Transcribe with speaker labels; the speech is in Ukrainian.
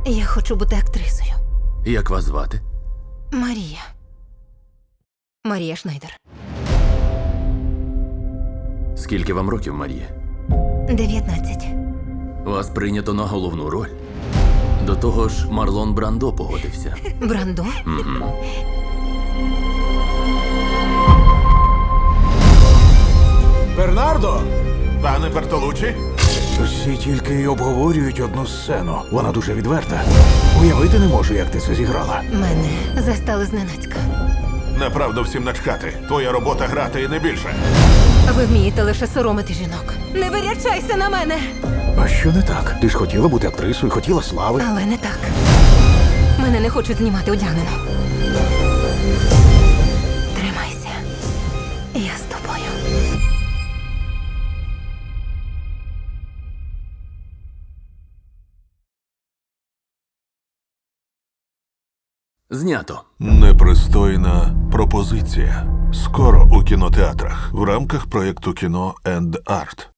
Speaker 1: Я хочу бути актрисою.
Speaker 2: Як вас звати?
Speaker 1: Марія. Марія Шнайдер.
Speaker 2: Скільки вам років, Марія?
Speaker 1: 19.
Speaker 2: Вас прийнято на головну роль. До того ж, Марлон Брандо погодився.
Speaker 1: Брандо?
Speaker 3: Бернардо! Пане Бертолуччі?
Speaker 4: Всі тільки й обговорюють одну сцену. Вона дуже відверта. Уявити не можу, як ти це зіграла.
Speaker 1: Мене застали зненацька.
Speaker 3: Направду всім начхати. Твоя робота грати і не більше.
Speaker 1: Ви вмієте лише соромити жінок. Не вирячайся на мене!
Speaker 4: А що не так? Ти ж хотіла бути актрисою, хотіла слави.
Speaker 1: Але не так. Мене не хочуть знімати одягнено. Тримайся. Я з тобою.
Speaker 2: Знято.
Speaker 3: Непристойна пропозиція. Скоро у кінотеатрах в рамках проєкту «Кіно енд Арт».